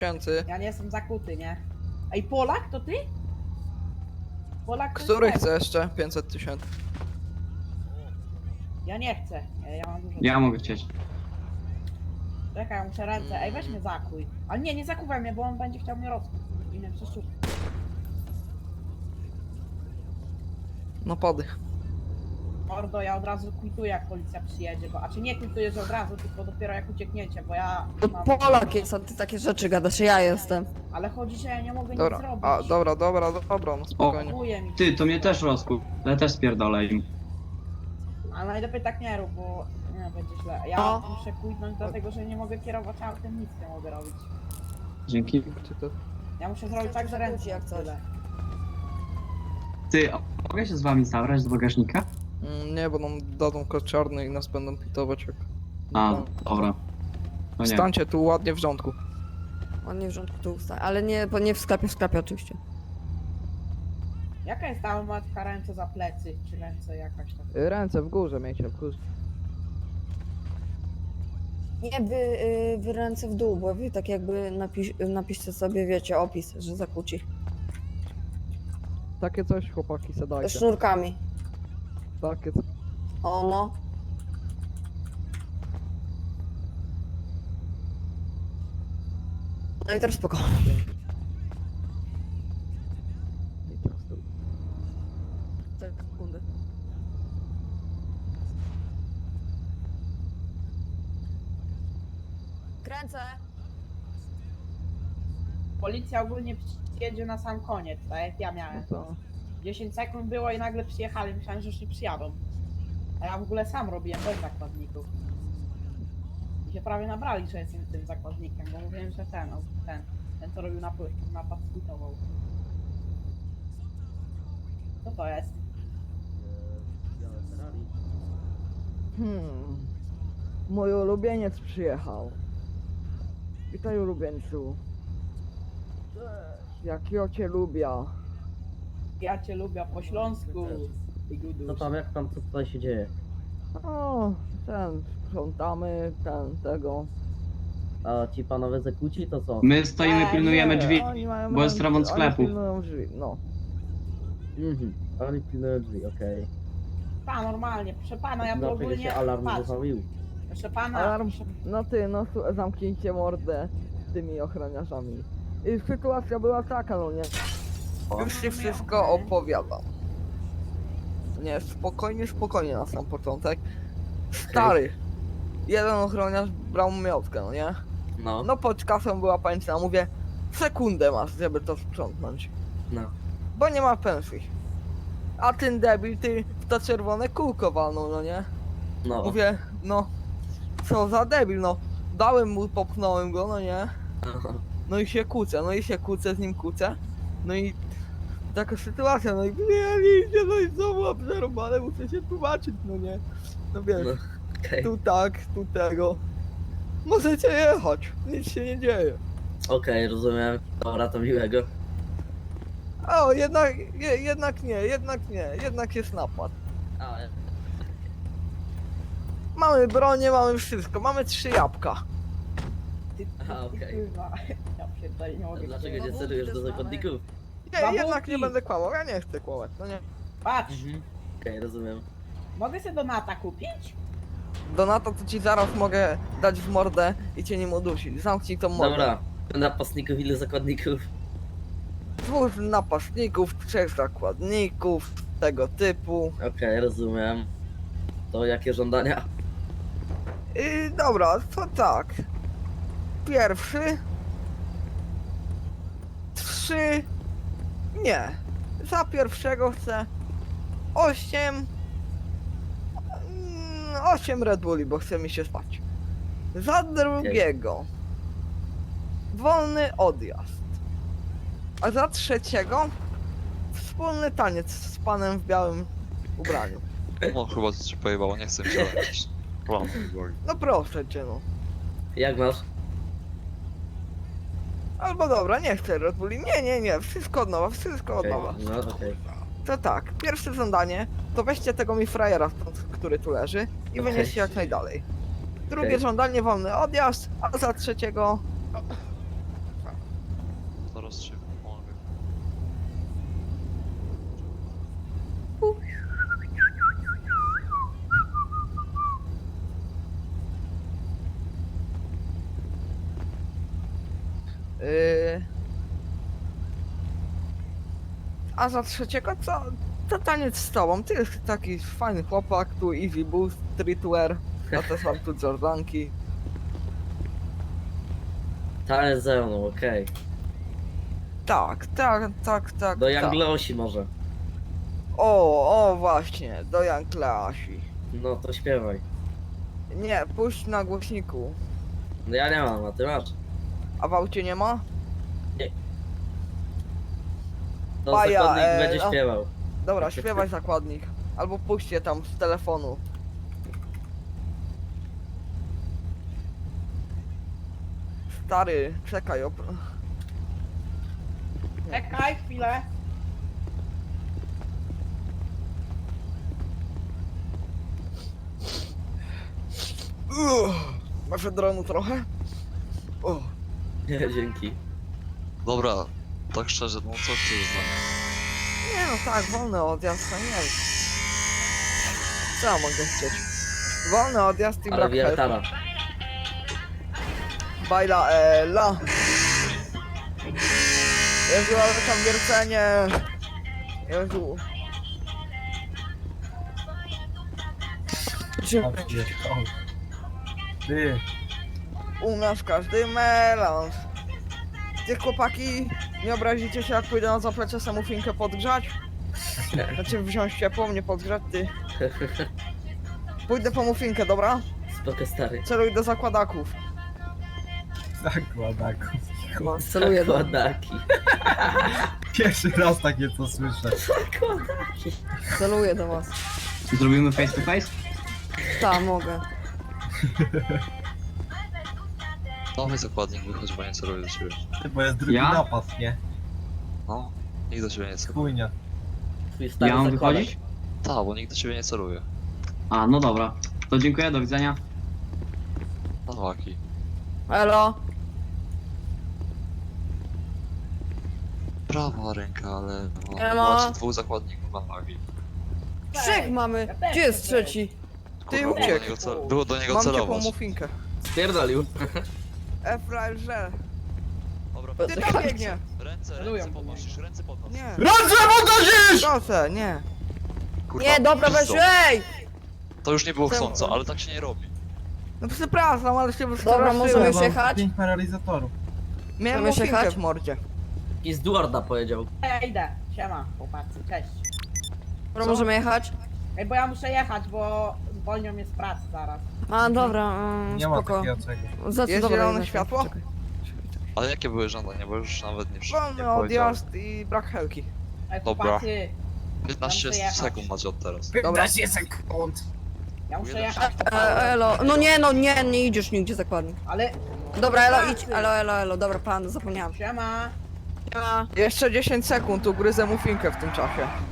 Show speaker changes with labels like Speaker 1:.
Speaker 1: tysięcy.
Speaker 2: Ja nie jestem zakuty, nie? Ej, Polak to ty? Polak to
Speaker 1: Który
Speaker 2: jest
Speaker 1: chce jeszcze? 500 tysięcy.
Speaker 2: Ja nie chcę. Ja mam dużo.
Speaker 3: Ja mogę chcieć.
Speaker 2: Czekaj, ja muszę ręce. Ej, weź mnie zakuj. Ale nie zakuwaj mnie, bo on będzie chciał mnie rozkuć. I mnie przeszczupać.
Speaker 1: No pady.
Speaker 2: Mordo, ja od razu kwituję, jak policja przyjedzie, bo... A czy nie kwituję, że od razu, tylko dopiero jak uciekniecie, bo ja...
Speaker 4: To
Speaker 2: mam-
Speaker 4: Polak jest, a ty takie rzeczy gadasz, ja jestem.
Speaker 2: Ale chodzi, że ja nie mogę nic
Speaker 1: Dobra,
Speaker 2: zrobić.
Speaker 1: dobra, no spokojnie.
Speaker 2: Chuje mi.
Speaker 3: Ty, to mnie też rozkup. Ale też spierdolę im.
Speaker 2: Ale najlepiej tak nie rób, bo... Nie, będzie źle. Ja
Speaker 4: No.
Speaker 2: muszę kwitnąć dlatego, że nie mogę kierować autem, nic nie mogę robić.
Speaker 3: Dzięki.
Speaker 1: Czy to...
Speaker 2: Ja muszę zrobić tak, że ręce
Speaker 4: Jak coś.
Speaker 2: tyle.
Speaker 3: Ty, a mogę się z wami zabrać do bagażnika?
Speaker 1: Nie, bo nam dadzą kod czarny i nas będą pitować jak...
Speaker 3: A, dobra. No nie.
Speaker 1: Stańcie tu ładnie w rządku.
Speaker 4: On nie w rządku tu ustaje, ale nie, bo nie w sklepie oczywiście.
Speaker 2: Jaka jest ta matka ręce za plecy, czy ręce jakaś tam?
Speaker 1: Ręce w górze miejcie, w górze.
Speaker 4: Nie, wy ręce w dół, bo wy tak jakby napiszcie sobie, wiecie, opis, że zakłóci.
Speaker 1: Takie coś chłopaki se dajcie.
Speaker 4: Sznurkami.
Speaker 1: Takie coś.
Speaker 4: O no. No i teraz spokojnie.
Speaker 1: I teraz to...
Speaker 4: Sekundę. Kręcę.
Speaker 2: Policja ogólnie przyjedzie na sam koniec, tak jak ja
Speaker 1: No
Speaker 2: miałem.
Speaker 1: to...
Speaker 2: 10 sekund było i nagle przyjechali, myślałem, że już nie przyjadą. A ja w ogóle sam robiłem bez zakładników. I się prawie nabrali, że jestem tym zakładnikiem, bo mówiłem, że ten co robił napad skwitował. Co to jest?
Speaker 1: Mój ulubieniec przyjechał. Witaj ulubieńcu. Jak ja cię lubię.
Speaker 2: Ja cię lubię po śląsku. I
Speaker 5: Co
Speaker 2: guduś.
Speaker 5: tam, jak tam, co tutaj się dzieje?
Speaker 1: O, sprzątamy, tego.
Speaker 5: A ci panowie zakłóci, to co?
Speaker 3: My stoimy, pilnujemy drzwi.
Speaker 1: Oni mają
Speaker 3: bo jest
Speaker 1: ręce,
Speaker 3: remont
Speaker 1: oni
Speaker 3: sklepu.
Speaker 1: pilnują drzwi, no.
Speaker 5: Mhm, oni pilnują drzwi, okej.
Speaker 2: Ta, normalnie, proszę pana, ja to
Speaker 5: Dlaczego
Speaker 2: ogólnie...
Speaker 5: się alarm
Speaker 2: Patrz,
Speaker 5: uruchomił?
Speaker 2: proszę pana,
Speaker 1: Alarm,
Speaker 2: proszę...
Speaker 1: no ty, no zamknijcie mordę tymi ochroniarzami. I sytuacja była taka, no nie. Już ci wszystko opowiadam. Nie, spokojnie na sam początek. Stary, jeden ochroniarz brał miotkę, no nie?
Speaker 5: No,
Speaker 1: No pod kasą była pańca, mówię, sekundę masz, żeby to sprzątnąć.
Speaker 5: no.
Speaker 1: Bo nie ma pensji. A ten debil, ty w to czerwone kółko walnął, no nie?
Speaker 5: No.
Speaker 1: Mówię, no, co za debil, no. Dałem mu, popchnąłem go, no nie?
Speaker 5: Aha.
Speaker 1: No i się kłócę, z nim kłócę. No i taka sytuacja, no i idzie, no i znowu obserwowane, muszę się tłumaczyć, no nie? No wiesz,
Speaker 5: No, okej.
Speaker 1: tu tak, tu tego. Możecie jechać, nic się nie dzieje.
Speaker 5: Okej, rozumiem. Dobra, to miłego.
Speaker 1: O, jednak nie, jednak jest napad.
Speaker 5: A,
Speaker 1: Mamy bronię, mamy wszystko, mamy 3 jabłka.
Speaker 5: Aha, okej.
Speaker 2: Kurwa, ja pierdolę, nie mogę.
Speaker 5: Dlaczego nie
Speaker 4: No,
Speaker 5: celujesz do
Speaker 4: też mamy.
Speaker 5: zakładników?
Speaker 1: Nie, jednak nie
Speaker 2: Babułki.
Speaker 1: będę kłamał, ja nie chcę kłamać, no nie.
Speaker 2: Patrz,
Speaker 5: Okej, rozumiem.
Speaker 2: mogę sobie Donata kupić?
Speaker 1: Donata to ci zaraz mogę dać w mordę i cię nim udusić. Zamknij tą mordę.
Speaker 5: Dobra, napastników, ile zakładników?
Speaker 1: 2 napastników, 3 zakładników, tego typu.
Speaker 5: Okej, rozumiem. To jakie żądania?
Speaker 1: I dobra, to tak. Pierwszy. 3. Nie. Za pierwszego chcę 8. 8 Red Bulli, bo chce mi się spać. Za drugiego wolny odjazd. A za trzeciego wspólny taniec z panem w białym ubraniu.
Speaker 6: No chyba coś się pojebało, nie chcę mi się jakiś plan boli.
Speaker 1: No proszę cię no.
Speaker 5: Jak masz?
Speaker 1: Albo dobra, nie chcę Red Bulli. Nie, wszystko od nowa, wszystko od
Speaker 5: Okej,
Speaker 1: nowa.
Speaker 5: no okej.
Speaker 1: To tak, pierwsze żądanie to weźcie tego mi frajera stąd, który tu leży i
Speaker 5: Okej.
Speaker 1: wynieście jak najdalej. Drugie
Speaker 5: Okej.
Speaker 1: żądanie wolny odjazd, a za trzeciego
Speaker 6: prostszy. On wie.
Speaker 1: A za trzeciego co? To taniec z tobą. Ty jest taki fajny chłopak, tu easy boost, streetwear. Ja też mam tu Jordanki.
Speaker 5: Taniec ze mną, okej.
Speaker 1: Tak.
Speaker 5: Do
Speaker 1: tak.
Speaker 5: Jangleosi może.
Speaker 1: O właśnie, do Jan Kleasi.
Speaker 5: No to śpiewaj.
Speaker 1: Nie, puść na głośniku.
Speaker 5: No ja nie mam, a ty masz.
Speaker 1: A w aucie nie ma?
Speaker 5: To
Speaker 1: Baja,
Speaker 5: zakładnik będzie
Speaker 1: no.
Speaker 5: śpiewał.
Speaker 1: Dobra, śpiewaj zakładnik. Albo puść je tam z telefonu. Stary, czekaj,
Speaker 2: Czekaj chwilę.
Speaker 1: Masz dronu trochę? O,
Speaker 5: Nie, dzięki.
Speaker 6: Dobra, tak szczerze, no co chcesz z nami?
Speaker 1: nie no tak, wolny odjazd, no nie wiem. Co ja mogę chcieć? Wolny odjazd i
Speaker 5: Ale
Speaker 1: brak help.
Speaker 5: wiertara.
Speaker 1: Bajla Ela. Jezu, ale tam wiercenie. Jezu.
Speaker 7: Ty,
Speaker 1: U nas każdy melanż. Ty chłopaki, nie obrazicie się jak pójdę na zaplecze samofinkę podgrzać? Znaczy wziąć ciepło, nie podgrzać, ty. Pójdę po mufinkę, dobra?
Speaker 5: Spoko stary.
Speaker 1: Celuj do zakładaków.
Speaker 7: zakładaku.
Speaker 4: Celuję do...
Speaker 5: Zakładaki.
Speaker 7: Pierwszy raz takie co słyszę.
Speaker 4: Celuję do was.
Speaker 3: Zrobimy face to face?
Speaker 4: Tak, mogę.
Speaker 6: Nowy zakładnik wychodzi, bo nie celuję do ciebie.
Speaker 7: Ty, bo jest drugi
Speaker 3: Ja?
Speaker 7: napad, nie?
Speaker 6: No, nikt do ciebie nie celuje.
Speaker 7: Chujnia.
Speaker 5: Twój stary
Speaker 3: Ja mam
Speaker 5: zakładak.
Speaker 3: wychodzić?
Speaker 6: Tak, bo nikt do ciebie nie celuje.
Speaker 3: A, no dobra. To dziękuję, do widzenia.
Speaker 6: No waki.
Speaker 4: Elo.
Speaker 6: Prawa ręka, ale no,
Speaker 4: Ema.
Speaker 6: macie dwóch zakładników na wagi.
Speaker 4: Trzech mamy.
Speaker 2: Ja też
Speaker 4: Gdzie jest
Speaker 2: chcę.
Speaker 4: trzeci?
Speaker 1: Ty
Speaker 6: Kurwa,
Speaker 1: uciekł.
Speaker 6: było do niego
Speaker 1: Mam ciepłą
Speaker 6: celować.
Speaker 1: mufinkę.
Speaker 5: Spierdolił.
Speaker 1: Efrażel.
Speaker 6: Dobra,
Speaker 1: Ty tam biegnie.
Speaker 6: ręce
Speaker 2: Celują
Speaker 6: podnosisz, ręce podnosisz.
Speaker 1: Nie.
Speaker 7: Ręce podnosisz!
Speaker 1: Proszę, nie.
Speaker 6: Kurwa,
Speaker 4: Nie, dobra, weź,
Speaker 6: Krzysztof,
Speaker 4: ej!
Speaker 6: to już nie było
Speaker 1: Czemu?
Speaker 6: chcąco, ale tak się nie robi.
Speaker 1: No przepraszam, ale się
Speaker 4: Dobra,
Speaker 1: wystraszyłem.
Speaker 4: możemy
Speaker 7: Mam
Speaker 4: jechać?
Speaker 7: 5 paralizatorów.
Speaker 1: Miałem
Speaker 4: Możemy
Speaker 1: mufinkę
Speaker 4: jechać?
Speaker 1: w mordzie.
Speaker 5: I z Duarda powiedział.
Speaker 2: Ja idę. Siema, chłopacy, cześć.
Speaker 4: Dobra, możemy jechać?
Speaker 2: Ej, bo ja muszę jechać, bo zwolnią mnie z pracy zaraz.
Speaker 4: A, dobra,
Speaker 7: Nie ma
Speaker 4: spoko.
Speaker 7: takiego czegoś.
Speaker 4: Za co
Speaker 1: Jest
Speaker 4: dobra,
Speaker 1: zielone
Speaker 4: jednak.
Speaker 1: światło?
Speaker 4: Czekaj.
Speaker 6: Ale jakie były żądania, bo już nawet nie
Speaker 1: Wolny
Speaker 6: powiedziałem.
Speaker 1: odjazd i brak helki.
Speaker 2: Ej,
Speaker 6: Dobra.
Speaker 2: chłopacy,
Speaker 6: 15
Speaker 2: muszę jechać.
Speaker 6: sekund macie od teraz.
Speaker 7: 15 sekund!
Speaker 2: ja muszę
Speaker 6: Jeden
Speaker 2: jechać.
Speaker 4: Elo, no nie idziesz nigdzie zakładnik.
Speaker 2: Ale
Speaker 4: Dobra, Elo, idź, elo, dobra, plan, zapomniałam.
Speaker 2: siema.
Speaker 4: Siema.
Speaker 1: Jeszcze 10 sekund, ugryzę mufinkę w tym czasie.